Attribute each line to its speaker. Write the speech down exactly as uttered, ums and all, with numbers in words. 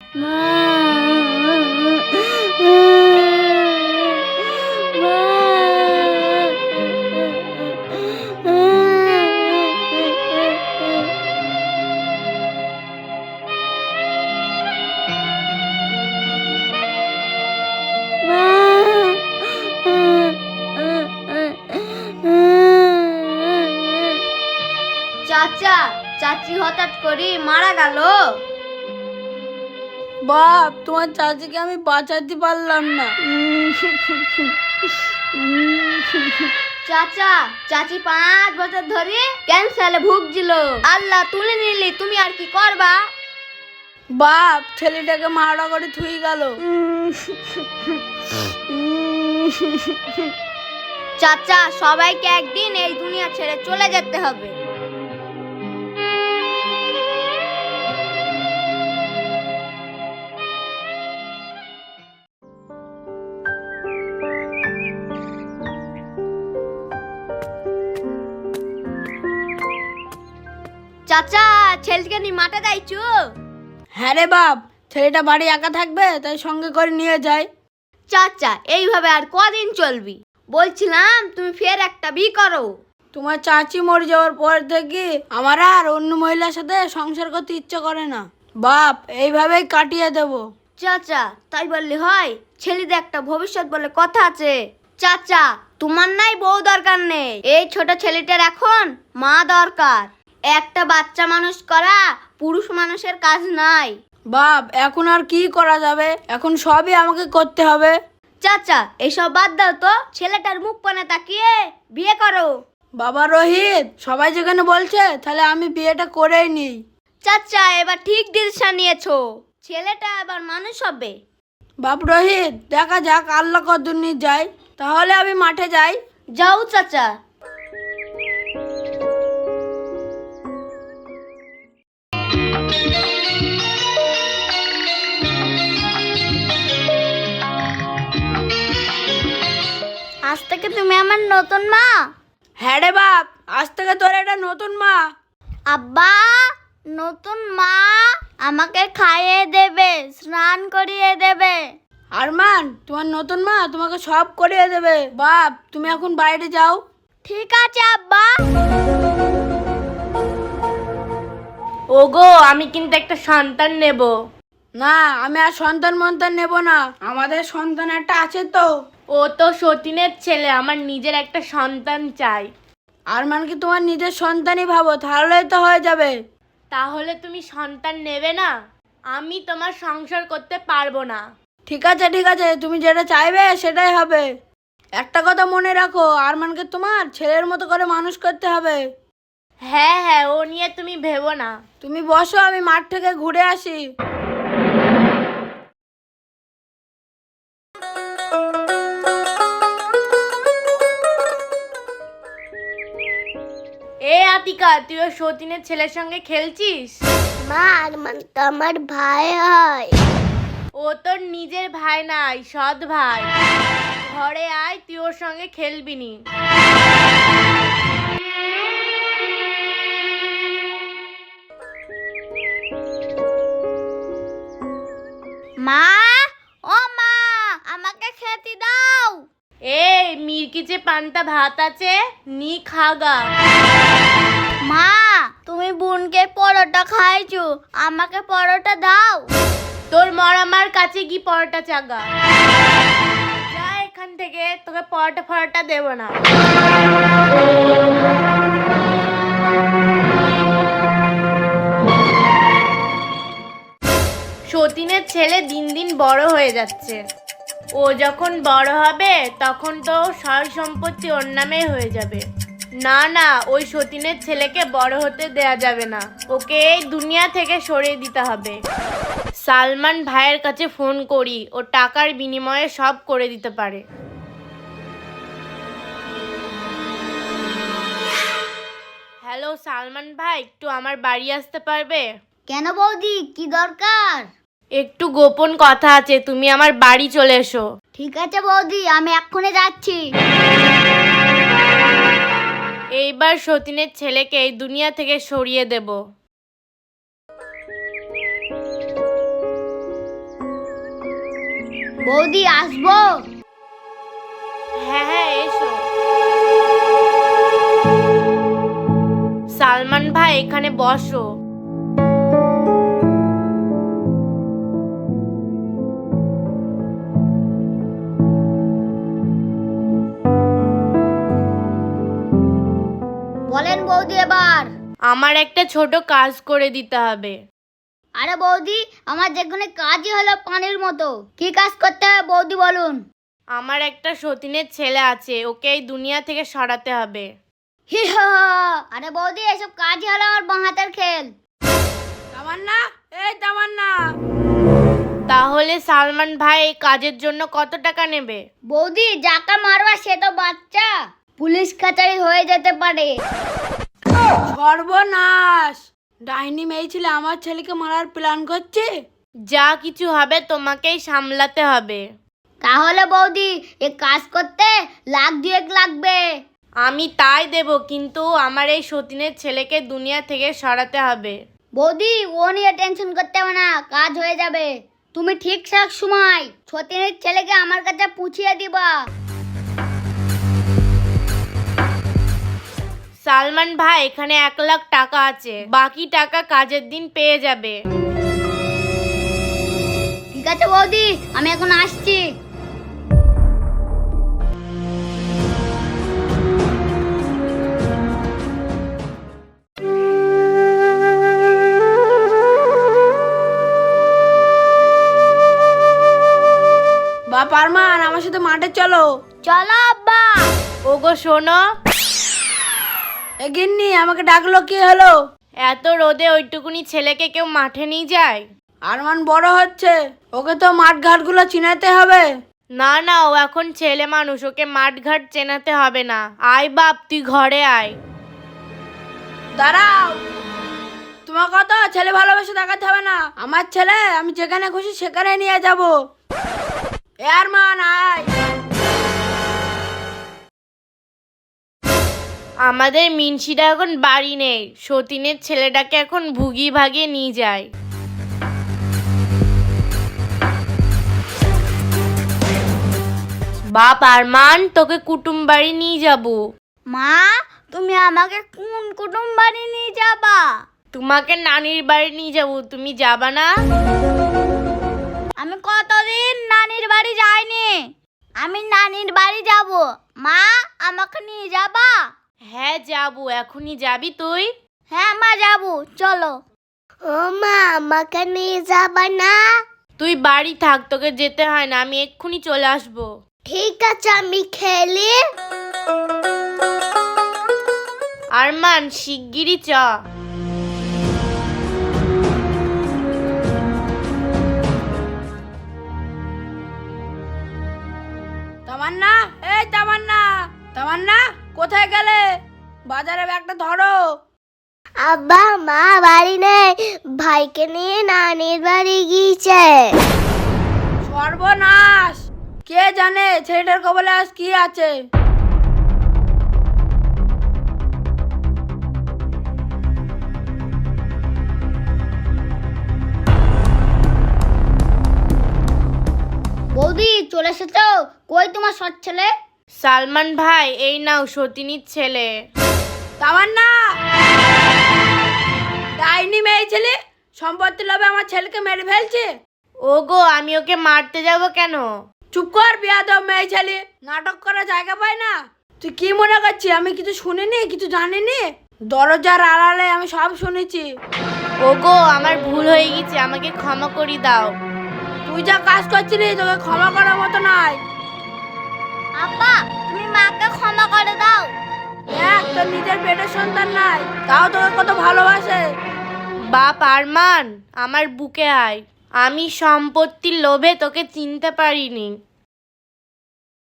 Speaker 1: চাচা, চাচি হঠাৎ করে মারা গেল।
Speaker 2: বাপ, তোমার চাচিকে আমি বাঁচাতে পারলাম না।
Speaker 1: চাচা, চাচি পাঁচ বছর ধরে ক্যান্সারে ভুগছিল, আল্লাহ তুলে নিলি, তুমি আর কি করবা?
Speaker 2: বাপ, ছেলেটাকে মারা করে থুই গেল।
Speaker 1: চাচা, সবাইকে একদিন এই দুনিয়া ছেড়ে চলে যেতে হবে। চাচা, ছেলেকে নিয়ে মাঠে যাইছো?
Speaker 2: হ্যাঁ রে বাপ, ছেলেটা বাড়ি একা থাকবে, তাই সঙ্গে করে নিয়ে যাই।
Speaker 1: চাচা, এইভাবে আর কদিন চলবি? বলছিলাম তুমি ফের একটা বিয়ে করো।
Speaker 2: তোমার চাচি মরে যাওয়ার পর থেকে আমার আর অন্য মহিলার সাথে সংসার করতে ইচ্ছে করে না। বাপ, এইভাবেই কাটিয়ে দেব।
Speaker 1: চাচা, তাই বললে হয়? ছেলেদের একটা ভবিষ্যৎ বলে কথা আছে। চাচা, তোমার নাই বউ দরকার নেই, এই ছোট ছেলেটার এখন মা দরকার। একটা বাচ্চা মানুষ করা পুরুষ মানুষের কাজ নাই।
Speaker 2: বাপ, এখন আর কি করা যাবে? এখন সবই আমাকে করতে হবে।
Speaker 1: চাচা, এসব বাদ দাও তো, ছেলেটার মুখ পানে তাকিয়ে বিয়ে করো।
Speaker 2: বাবা রোহিত, সবাই যেখানে বলছে, তাহলে আমি বিয়েটা করেই নিই।
Speaker 1: চাচা, এবার ঠিক ডিসিশন নিয়েছো, ছেলেটা এবার মানুষ হবে।
Speaker 2: বাপ রোহিত, দেখা যাক আল্লাহ কদ্দুর নিয়ে যায়। তাহলে আমি মাঠে যাই।
Speaker 1: যাও চাচা। আজ থেকে তুমি আমার নতুন মা।
Speaker 2: হ্যাঁ রে বাপ, আজ থেকে তোর এটা নতুন মা।
Speaker 1: আব্বা, নতুন মা আমাকে খাইয়ে দেবে, স্নান করিয়ে দেবে।
Speaker 2: আরমান, তোমার নতুন মা তোমাকে সব করিয়ে দেবে। বাপ, তুমি এখন বাইরে যাও।
Speaker 1: ঠিক আছে আব্বা।
Speaker 3: ওগো, আমি কিন্তু একটা সন্তান নেব।
Speaker 2: না, আমি আর সন্তান মন্তান নেব না। আমাদের সন্তান একটা আছে তো।
Speaker 3: ও তো সতীনের ছেলে, আমার নিজের একটা সন্তান চাই।
Speaker 2: আরমানকে তোমার নিজের সন্তানই ভাবো, তাহলেই তো হয়ে যাবে।
Speaker 3: তাহলে তুমি সন্তান নেবে না? আমি তোমার সংসার করতে পারবো না।
Speaker 2: ঠিক আছে ঠিক আছে, তুমি যেটা চাইবে সেটাই হবে। একটা কথা মনে রাখো, আরমানকে তোমার ছেলের মতো করে মানুষ করতে হবে।
Speaker 3: হ্যাঁ হ্যাঁ, ও নিয়ে তুমি ভেবো না।
Speaker 2: তুমি বসো, আমি মাঠ থেকে ঘুরে আসি।
Speaker 3: এ আতিকা, তুই ও সতীনের ছেলের সঙ্গে খেলছিস?
Speaker 1: মা, আরমান তো আমার ভাই হয়।
Speaker 3: ও তোর নিজের ভাই নাই, সৎ ভাই। ঘরে আয়, তুই ওর সঙ্গে খেলবি নি।
Speaker 1: মা, ও মা, আমাকে খেতে দাও।
Speaker 3: এই মির্কিচে পান্তা ভাত আছে, নি খাগা।
Speaker 1: মা, তুমি বোনকে পরোটা খাইছো, আমাকে পরোটা দাও।
Speaker 3: তোর মরামার কাছে কি পরোটা চাগা। যা এখান থেকে, তোকে পরোটা ফরোটা দেব না। সতীনের ছেলে দিন দিন বড় হয়ে যাচ্ছে। ও যখন বড় হবে তখন তো সয় সম্পত্তি ওর নামে হয়ে যাবে। না না, ওই সতীনের ছেলেকে বড় হতে দেয়া যাবে না, ওকে এই দুনিয়া থেকে সরিয়ে দিতে হবে। সালমান ভাইয়ের কাছে ফোন করি, ও টাকার বিনিময়ে সব করে দিতে পারে। হ্যালো সালমান ভাই, একটু আমার বাড়ি আসতে পারবে?
Speaker 1: কেন বৌদি, কি দরকার?
Speaker 3: একটু গোপন কথা আছে, তুমি আমার বাড়ি চলে এসো।
Speaker 1: ঠিক আছে বৌদি, আমি এক্ষুনি যাচ্ছি।
Speaker 3: এইবার সতীনের ছেলেকে এই দুনিয়া থেকে সরিয়ে দেব।
Speaker 1: বৌদি আসবো?
Speaker 3: হ্যাঁ হ্যাঁ এসো। সালমান ভাই এখানে বসো।
Speaker 1: বলেন বৌদি এবার।
Speaker 3: আমার একটা ছোট কাজ করে দিতে হবে।
Speaker 1: আরে বৌদি, আমার যেখানে কাজই হলো পানির মতো। কি কাজ করতে হবে বৌদি বলুন?
Speaker 3: আমার একটা সতীনের ছেলে আছে, ওকে এই দুনিয়া থেকে সরাতে হবে।
Speaker 1: হি হা। আরে বৌদি, এসব কাজই হলো আমার বাঁ হাতের খেল।
Speaker 2: তামান্না, এই তামান্না।
Speaker 3: তাহলে সালমান ভাই এই কাজের জন্য কত টাকা নেবে?
Speaker 1: বৌদি, যাকে মারবা সে তো বাচ্চা, পুলিশ কাচারি হয়ে যেতে পারে।
Speaker 2: সর্বনাশ! ডাইনি মেয়ে ছেলে আমার ছেলেকে মারার প্ল্যান করছে।
Speaker 3: যা কিছু হবে তোমাকেই সামলাতে হবে।
Speaker 1: তাহলে বৌদি, এ কাজ করতে লাখ দুয়েক লাগবে।
Speaker 3: আমি তাই দেব, কিন্তু আমার এই সতীনের ছেলেকে দুনিয়া থেকে সরাতে হবে।
Speaker 1: বৌদি, ও নিয়ে টেনশন করতে হবে না, কাজ হয়ে যাবে। তুমি ঠিকঠাক সময় সতীনের ছেলেকে আমার কাছে পুছিয়ে দিবা।
Speaker 3: সালমান ভাই, এখানে এক লাখ টাকা আছে, বাকি টাকা কাজের দিন পেয়ে যাবে।
Speaker 1: ঠিক আছে বৌদি, আমি এখন আসছি।
Speaker 2: বাপ আরমান, আমার সাথে মাঠে চলো।
Speaker 1: চলো আব্বা।
Speaker 3: ওগো শোনো।
Speaker 2: এ গিন্নি, আমাকে ডাকলো, কি হলো?
Speaker 3: এত রোদে ওইটুকুনি ছেলেকে কেউ মাঠে নিয়ে যায়?
Speaker 2: আরমান বড় হচ্ছে, ওকে তো মাঠ ঘাট গুলো চিনাতে হবে।
Speaker 3: না না, ও এখন ছেলে মানুষ, ওকে মাঠ ঘাট চেনাতে হবে না। আয় বাপ, তুই ঘরে আয়।
Speaker 2: দাঁড়াও, তোমার কত ছেলে ভালোবেসে দেখাতে হবে না। আমার ছেলে আমি যেখানে খুশি সেখানে নিয়ে যাব। এ আরমান, আয়।
Speaker 3: আমাদের মিনসিটা এখন বাড়ি নেই, সতীনের ছেলেটাকে এখন ভুগি ভাগিয়ে নিয়ে যায়। বাপ আরমান, তোকে কুটুম বাড়ি নিয়ে যাবো।
Speaker 1: মা, তুমি আমাকে কোন কুটুম বাড়ি নিয়ে যাবা?
Speaker 3: তোমাকে নানির বাড়ি নিয়ে যাবো, তুমি যাবা না?
Speaker 1: আমি কতদিন নানির বাড়ি যাইনি, আমি নানির বাড়ি যাব। মা, আমাকে নিয়ে যাবা?
Speaker 3: হ্যাঁ যাবো, এখনই যাবি তুই?
Speaker 1: হ্যাঁ মা, যাবো, চলো। ও মা, আমাকে নিয়ে যাবা না?
Speaker 3: তুই বাড়ি থাক, তোকে যেতে হয় না, আমি এক্ষুনি চলে আসবো।
Speaker 1: ঠিক আছে, আমি খেলি।
Speaker 3: আরমান, শিগগিরই চ।
Speaker 2: তামান্না, এই তামান্না, তামান্না, কোথায় গেলে? বাজারে ব্যাগটা ধরো।
Speaker 1: আব্বা, মা বাড়ি নেই, ভাইকে নিয়ে নানির বাড়ি গিয়েছে।
Speaker 2: সর্বনাশ! কে জানে ছেলেটার কবলে আজ কি আছে।
Speaker 1: বৌদি, চলে এসেছো? কই তোমার সৎ ছেলে?
Speaker 3: সালমান ভাই, এই নাও সতীনীর ছেলে।
Speaker 2: তামান্না, ডাইনি মেয়ে ছেলে সম্পত্তি লোভে আমার ছেলেকে মেরে ফেলছে।
Speaker 3: ওগো, আমি ওকে মারতে যাব কেন?
Speaker 2: চুপ কর বেয়াদব মেয়ে ছেলে, নাটক করার জায়গা পায় না। তুই কি মনে করছিস আমি কিছু শুনিনি, কিছু জানিনি? দরজার আড়ালে আমি সব শুনেছি।
Speaker 3: ওগো, আমার ভুল হয়ে গেছে, আমাকে ক্ষমা করে দাও।
Speaker 2: তুই যা কাজ করছিলি তোকে ক্ষমা করার মতো নয়।
Speaker 1: আব্বা, তুমি মাকে ক্ষমা করে দাও।
Speaker 2: দেখ, তোর নিজের পেটের সন্তান নাই, তাও তোকে কত ভালোবাসে।
Speaker 3: বাপ আরমান, আমার বুকে আয়। আমি সম্পত্তির লোভে তোকে চিনতে পারিনি।